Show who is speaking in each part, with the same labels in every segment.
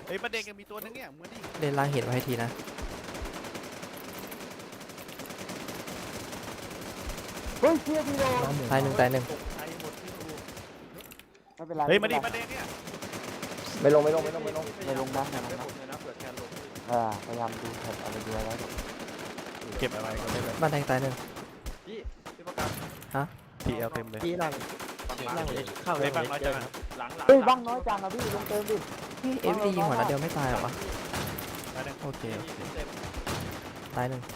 Speaker 1: ฮ้ยประเด็นกันมีตัวนึงเนี่ยมึงดิ
Speaker 2: เล่นล่างเห็นไว้ให้ทีนะ
Speaker 3: เฮ้ยเชี่ยพี่โดน
Speaker 2: ตายหนึ่งตายหนึ่ง
Speaker 3: ไม่เป็นไร
Speaker 1: เฮ้ยมาดิประเด็นเนี่ย
Speaker 3: ไม่ลงนะนะ พยายามดูแท็บอะไรดูอะไร
Speaker 1: เก็บอะไรก็ได้เลย
Speaker 2: บ้านแดงตายหนึ่ง
Speaker 4: พี่ประกัน
Speaker 1: ทีเอลเต็มเลย
Speaker 5: พี่หลังเข้า
Speaker 1: ไอ้บ้างน้อยจังนะ
Speaker 4: หลัง
Speaker 3: เฮ้ยบ้างน้อยจังอะพี่ลงเติมดิ
Speaker 2: พี่เอฟดียิงหัวนัดเดียวไม่ตายหรอวะ
Speaker 1: ประเด็น
Speaker 2: โอเคตายหนึ่ง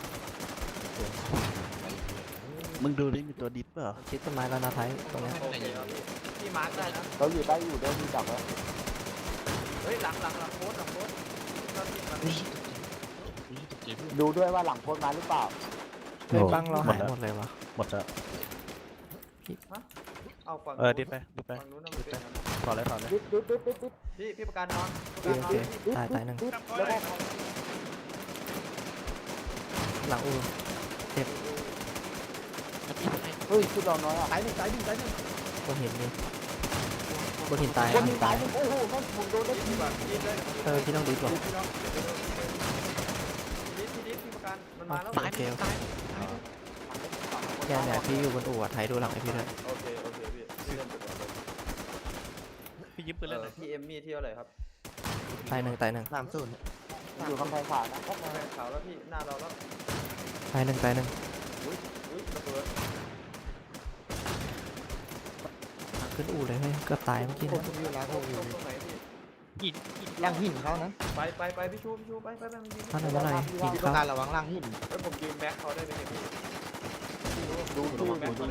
Speaker 1: มึงดูดิมีตัวดิฟเปล่า
Speaker 2: ชิดต้นไม้แล้วนะไทยตรงเนี้ย
Speaker 4: พี่มาร์คได้นะ
Speaker 3: เราอยู่ได้อยู่ได้มีจับแล้ว
Speaker 4: เฮ้ยหลังโค้ด
Speaker 3: ดูด้วยว่าหลังโพสต์มาหรือเปล่า
Speaker 2: เฮ้ยบังเราหายหมดเลยวะ
Speaker 1: หมดแล้ว
Speaker 4: เอาฝั่ง
Speaker 1: ดิฟไป
Speaker 4: ฝั่งนู้นมันเป็น
Speaker 1: ต่อเลย
Speaker 3: ดิด
Speaker 4: พี่ประกันนอน
Speaker 2: โอเคตายตายหนึ่ง
Speaker 3: แล้วก็
Speaker 2: หลังอู
Speaker 3: เฮ้ยชุดเราน้อยอะ
Speaker 5: ตายหนึ่ง
Speaker 2: บนหินนี่บนหินตาย
Speaker 3: คน
Speaker 2: หิ
Speaker 3: มี
Speaker 2: น
Speaker 3: ตา
Speaker 2: ตาย ย
Speaker 3: โอ้โหนั่นผมโดนได้
Speaker 4: พี่แบบยิงเลย
Speaker 2: พี่ต้องดีกว่า
Speaker 4: พี่ประกันมันมาแล้ว
Speaker 2: โอเคโอเคเนี่ยพี่อยู่บนอู่อะไทยดูหลังให้พี่ด้วย
Speaker 4: โอเคพี่
Speaker 1: พี่ยิ้มปืนเล่นเลย
Speaker 4: พี่เอมมี่เที่ยวอะไรครับ
Speaker 2: ตายหนึ่งตายหนึ่ง
Speaker 5: 30
Speaker 3: อยู่กำแพงขวานะ
Speaker 4: แฟนขาวแล้วพี่หน้าเราแล้ว
Speaker 2: ตายหนึ่งตายหนึ่ง
Speaker 4: อุ้ยระเบิด
Speaker 2: ขึ้นอู่เลยเฮ้ยเกือบตายเมื่อกี้
Speaker 5: ผม
Speaker 2: นะ
Speaker 5: อยู่ร้านผมอยู่
Speaker 4: ตรงไหนพี่
Speaker 5: ล่างหินเขานะ
Speaker 4: ไปพี่ชูไปมันยิง
Speaker 2: ท่านไหนเมื่อไหร่หิน
Speaker 5: พี่ต้อ
Speaker 2: เข้าง
Speaker 5: การระวังล่างหิน
Speaker 4: แล้วผมยืนแบ็คเขาได้ไหมพี่
Speaker 3: ดูชื่อ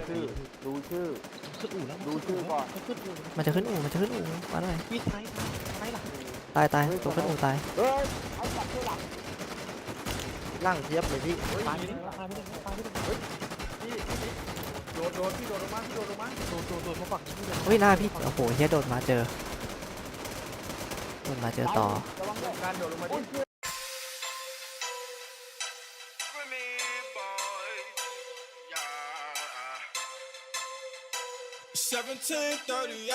Speaker 3: ก่อน
Speaker 2: มันจะขึ้นอู่มาหน่อย
Speaker 5: พี่ท้ายหลัง
Speaker 2: ตายตัวขึ้นอู่ตาย
Speaker 3: เฮ้ยไอ้จับชื่อหลัง
Speaker 5: ล่างเทียบเลยพี่
Speaker 4: ตาย
Speaker 5: พี่
Speaker 4: โดนพี่โดนลงมา
Speaker 5: โดนมาฝั่งนี้เลย
Speaker 2: เฮ้ยหน้าพี่โอ้โหเฮียโดนมาเจอต่อ
Speaker 3: ระวังด้วย
Speaker 4: การโดดลงมาดิ
Speaker 6: 17:30,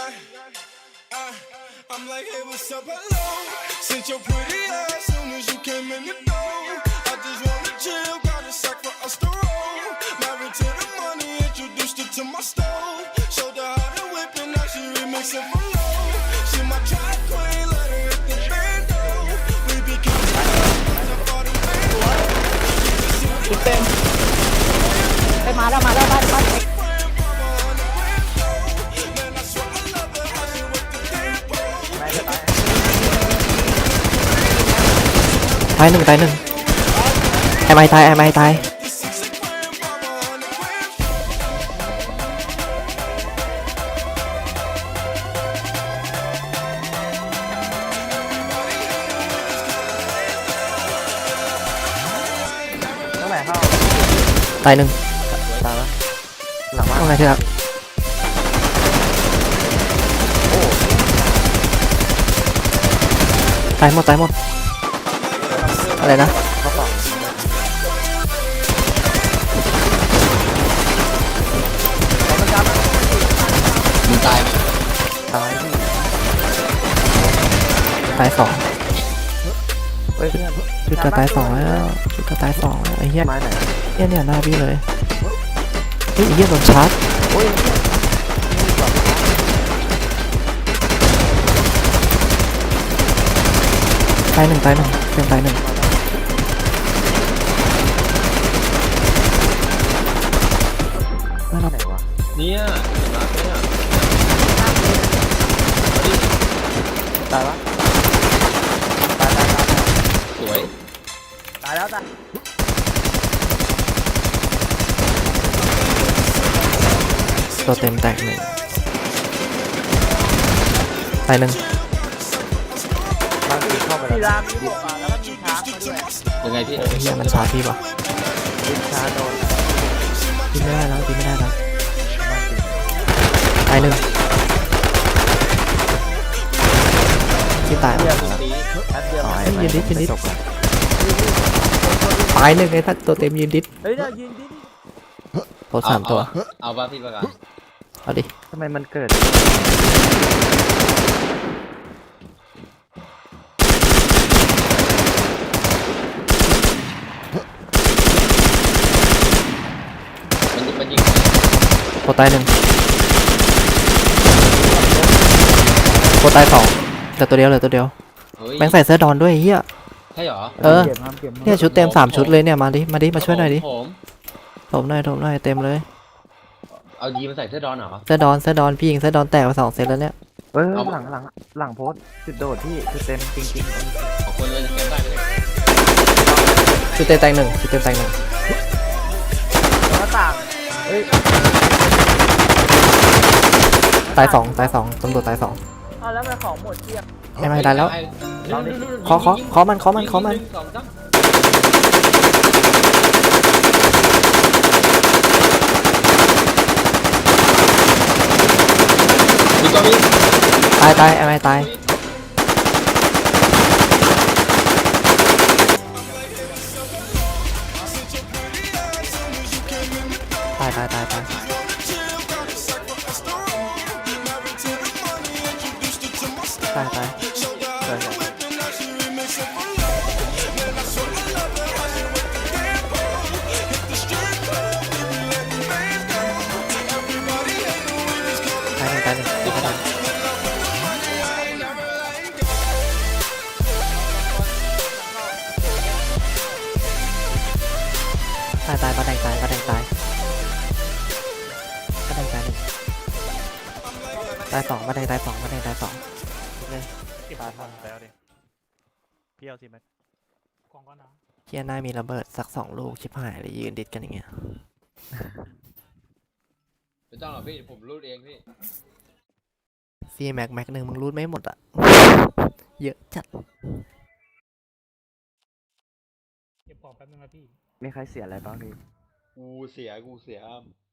Speaker 6: I'm like, hey, what's up, hello? Since your pretty ass soon as you came in the door. I just wanna chill, got a sack for us to roll. Married to the money, introduced her to my stove. Showed her how to whip and now she remixing for low. She my track queen, let her hit the bando. We became for the bando.
Speaker 3: เต็มไปมาแล้วบ้าน
Speaker 2: ตายหนึ่งไอ้ไม้ตายตายหนึ่ง
Speaker 5: ตายแล้วหลังบ้าน
Speaker 2: ว่าไงที่รักตายหมดอะไรนะ
Speaker 5: เขาฝั่ง
Speaker 2: มึงตายไหม
Speaker 5: ตายพี่
Speaker 2: ตายสอง
Speaker 5: เฮ้ยเพื่อน
Speaker 2: ชุดจะตายสองแล้วไอ้เหี้ย
Speaker 5: ไม้ไหน
Speaker 2: เนี่ยหน้าพี่เลยเฮ้ยไอ้เหี้ยโดนชาร์จ
Speaker 5: โอ้ย
Speaker 2: ตายหนึ่งเป็นตายหนึ่ง
Speaker 5: ไหนวะ
Speaker 4: เนี่ยมาเนี่ย
Speaker 5: ตายละ
Speaker 4: สวย
Speaker 5: ตายแล้วตาย
Speaker 2: ตัวเต็มแตกหนึ่งตายหนึ่ง
Speaker 5: ล่างหินเข้าไป
Speaker 3: ที
Speaker 5: แล้ว
Speaker 3: รามมีบวกแล้วก็มีช้างมาด้วย
Speaker 4: ยังไงพี่
Speaker 2: โอ้ยเหี้ยมันชาร์จพี่ปะ
Speaker 5: ชาโดน
Speaker 2: ตีไม่ได้แล้วตายหนึ่งที่ตายแล้ว
Speaker 5: แป๊บเดียว
Speaker 2: ยืนดิตายหนึ่งไอ้ท่านตัวเต็มยืนดิ
Speaker 3: เฮ้ยเนี่ยยืนดิ
Speaker 2: โผล่สามตัว
Speaker 4: เอาป่ะพี่ประกัน
Speaker 2: เอาดิ
Speaker 5: ทำไมมันเกิด
Speaker 2: โคตายหนึ่งโคตายสองเหลือตัวเดียวเหลือตัวเดียว
Speaker 4: เฮ้ย
Speaker 2: แม่งใส่เสื้อดอนด้วยไอ้เฮีย
Speaker 4: ใช่เหรอ
Speaker 2: เออ
Speaker 3: เก็บครับเก็บ
Speaker 2: เนี่ยชุดเต็ม3ชุดเลยเนี่ยมาดิมาช่วยหน่อยดิ
Speaker 4: ผม
Speaker 2: ถมหน่อยเต็มเลย
Speaker 4: เอายีมาใส่เสื้อดอนเหรอ
Speaker 2: เสื้อดอนพี่ยิงเสื้อดอนแตกไป2 เซตแล้วเนี่ย
Speaker 5: เฮ้ย
Speaker 4: เอา
Speaker 5: หลังโพสต์จุดโดดที่คือเต็มจริง
Speaker 4: ของคนเลยจะเก็บได้ไหมเนี่ย
Speaker 2: ชุดเต็มแตกหนึ่งชุดเต็มแตกหนึ่ง
Speaker 5: ๆหน้าต่าง
Speaker 2: ตายสองตำรวจตาย 2
Speaker 3: เอาแล้วมันของหมดเกลี้ยง
Speaker 2: ไม่ได้แล้ว ขอมัน
Speaker 4: ยิงหนึ่งสองสามมีตัวมี
Speaker 2: ตายไม่ตายตาย ตายหนึ่งตายป้าแดงตายป้าแดงตายหนึ่งตาย 2ป้าแดงตาย 2ป้าแดงตาย 2เลย
Speaker 1: ที่มาทันแล้วดิพี่เอาสิแม็ก
Speaker 2: เฮียหน้ามีระเบิดสัก2 ลูกชิบหายเลยยืนดิดกันอย่างเงี้ย
Speaker 4: ไม่ต้องหรอกพี่ผมรูดเองพี่
Speaker 2: ซีแม็กหนึ่งมึงรูดไม่หมดอ่ะ เยอะจัด
Speaker 3: เก็บของแป๊บนึงนะพี่
Speaker 5: มีใครเสียอะไรบ้างพี่
Speaker 4: กูเสีย